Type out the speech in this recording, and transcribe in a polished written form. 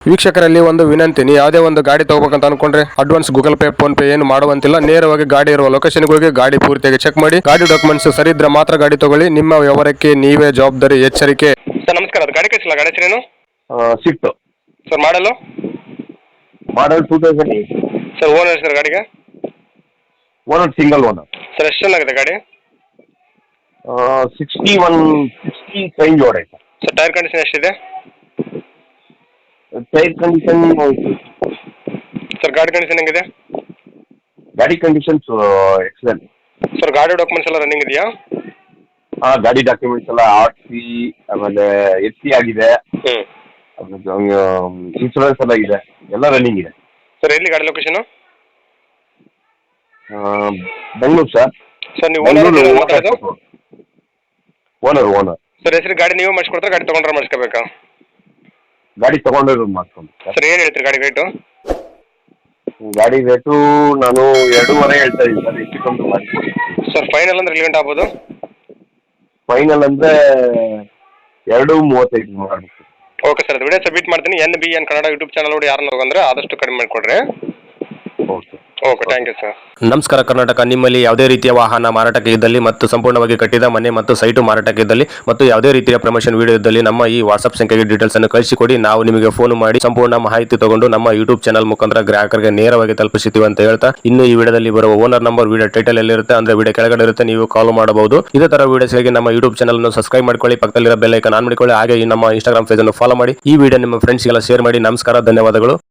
ವೀಕ್ಷಕರಲ್ಲಿ ಒಂದು ವಿನಂತಿ, ನೀವು ಯಾವುದೇ ಒಂದು ಗಾಡಿ ತಗೋಬೇಕಂತ ಅನ್ಕೊಂಡ್ರೆ advance Google Pay PhonePe ಏನು ಮಾಡುವಂತಿಲ್ಲ. ನೇರವಾಗಿ ಗಾಡಿ ಇರುವ ಲೊಕೇಶನ್ಗೆ ಹೋಗಿ ಗಾಡಿ ಪೂರ್ತಿಯಾಗಿ ಚೆಕ್ ಮಾಡಿ, ಗಾಡಿ ಡಾಕ್ಯುಮೆಂಟ್ಸ್ ಸರಿ ಇದ್ರೆ ಮಾತ್ರ ಗಾಡಿ ತಗೊಳ್ಳಿ. ನಿಮ್ಮ ವ್ಯವಹಾರಕ್ಕೆ ನೀವೇ ಜವಾಬ್ದಾರಿ. ಎಚ್ಚರಿಕೆ. ಸರ್ ನಮಸ್ಕಾರ, ಅದು ಗಾಡಿ ಕಳಿಸಿಲ್ಲ, ಗಾಡಿ ಹೆಸರೇನು? ಸ್ವಿಫ್ಟ್ ಸರ್ ಮಾಡಲು ಮಾಡಲ್ 2000. ಸರ್ ಓನರ್ ಸರ್ ಗಾಡಿಗೆ? Owner single owner. ಸರ್ ಎಷ್ಟು ಚೆನ್ನಾಗಿದೆ ಗಾಡಿ? 60 ಚೇಂಜ್ ಓಡೈತೆ. ಸರ್ ಟೈರ್ ಕಂಡೀಷನ್ ಎಷ್ಟಿದೆ? ಟೈರ್ ಕಂಡೀಷನ್ ಸರ್ ಗಾಡಿ ಕಂಡೀಷನ್ ಹೆಂಗಿದೆ? ಗಾಡಿ ಕಂಡೀಷನ್ಸ್ ಎಕ್ಸಲೆಂಟ್. ಸರ್ ಗಾಡಿ ಡಾಕ್ಯುಮೆಂಟ್ಸ್ ಎಲ್ಲ ರನ್ನಿಂಗ್ ಇದೆಯಾ? ಗಾಡಿ ಡಾಕ್ಯುಮೆಂಟ್ಸ್ ಎಲ್ಲ RC, ಆಮೇಲೆ SC ಆಗಿದೆ, ಇನ್ಶೂರೆನ್ಸ್ ಎಲ್ಲ ಇದೆ, ಎಲ್ಲ ರನ್ನಿಂಗ್ ಇದೆ. ಸರ್ ಎಲ್ಲಿ ಗಾಡಿ ಲೊಕೇಶನ್? ಬೆಂಗಳೂರು ಸರ್. ಸರ್ ನೀವು ಓನರ್. ಸರ್ ಹೆಸರು ಗಾಡಿ ನೀವು ಮಾಡಿಸ್ಕೊಡ್ತಾರೆ, ಗಾಡಿ ತೊಗೊಂಡ್ರೆ ಮಾಡಿಸ್ಕೋಬೇಕಾ? ಗಾಡಿ ತಗೊಂಡಿರೋದು ಮಾಡ್ಕೊಂಡು ಸರ್ ಏನು ಹೇಳ್ತೀರಿ ಗಾಡಿ ರೇಟು? ಗಾಡಿ ರೇಟು ನಾನು 2.5 ಹೇಳ್ತಾ ಇದ್ದೀನಿ ಸರ್. ಹೆಚ್ಚಿಕೊಂಡು ಮಾಡಿ ಸರ್ ಫೈನಲ್ ಅಂದ್ರೆ ಎಲ್ಲಿ ಗಂಟೆ ಆಗ್ಬೋದು? ಫೈನಲ್ ಅಂದರೆ 2.35 ಮಾಡಬೇಕು. ಓಕೆ ಸರ್, ಅದು ವಿಡಿಯೋ ಸಬ್ಮಿಟ್ ಮಾಡ್ತೀನಿ. NBN ಕನ್ನಡ ಯೂಟ್ಯೂಬ್ ಚಾನಲ್ ನೋಡಿ ಯಾರನ್ನ ಹೋಗಂದ್ರೆ ಆದಷ್ಟು ಕಡಿಮೆ ಮಾಡಿಕೊಡ್ರಿ. Okay okay, thank you sir. ನಮಸ್ಕಾರ ಕರ್ನಾಟಕ. ನಿಮ್ಮಲ್ಲಿ ಯಾವುದೇ ರೀತಿಯ ವಾಹನ ಮಾರಾಟಕ್ಕೆ ಇದ್ದಲ್ಲಿ ಮತ್ತು ಸಂಪೂರ್ಣವಾಗಿ ಕಟ್ಟಿದ ಮನೆ ಮತ್ತು ಸೈಟು ಮಾರಾಟಕ್ಕೆ ಇದ್ದಲ್ಲಿ ಮತ್ತು ಯಾವುದೇ ರೀತಿಯ ಪ್ರಮೋಷನ್ ವಿಡಿಯೋ ಇದ್ದಲ್ಲಿ ನಮ್ಮ ಈ ವಾಟ್ಸ್ಆಪ್ ಸಂಖ್ಯೆಗೆ ಡೀಟೇಲ್ಸ್ ಅನ್ನು ಕಳಿಸಿಕೊಡಿ. ನಾವು ನಿಮಗೆ ಫೋನ್ ಮಾಡಿ ಸಂಪೂರ್ಣ ಮಾಹಿತಿ ತಗೊಂಡು ನಮ್ಮ ಯೂಟ್ಯೂಬ್ ಚಾನಲ್ ಮುಖಾಂತರ ಗ್ರಾಹಕರಿಗೆ ನೇರವಾಗಿ ತಲುಪಿಸುತ್ತೀವಿ ಅಂತ ಹೇಳ್ತಾ, ಇನ್ನು ಈ ವಿಡಿಯೋದಲ್ಲಿ ಬರುವ ಓನರ್ ನಂಬರ್ ವಿಡಿಯೋ ಟೈಟಲ್ ಎಲ್ಲಿರುತ್ತೆ ಅಂದ್ರೆ ವಿಡಿಯೋ ಕೆಳಗಡೆ ಇರುತ್ತೆ, ನೀವು ಕಾಲ್ ಮಾಡಬಹುದು. ಇದೇ ತರ ವಿಡಿಯೋಸ್ಗಾಗಿ ನಮ್ಮ ಯೂಟ್ಯೂಬ್ ಚಾನಲ್ ಅನ್ನು ಸಬ್ಸ್ಕ್ರೈಬ್ ಮಾಡ್ಕೊಳ್ಳಿ, ಪಕ್ಕದಲ್ಲಿರೋ ಬೆಲ್ ಐಕಾನ್ ಆನ್ ಮಾಡಿಕೊಳ್ಳಿ. ಹಾಗೆ ಈ ನಮ್ಮ ಇನ್ಸ್ಟಾಗ್ರಾಮ್ ಪೇಜ್ ಅನ್ನು ಫಾಲೋ ಮಾಡಿ. ಈ ವಿಡಿಯೋ ನಿಮ್ಮ ಫ್ರೆಂಡ್ಸ್ಗೆಲ್ಲ ಶೇರ್ ಮಾಡಿ. ನಮಸ್ಕಾರ, ಧನ್ಯವಾದಗಳು.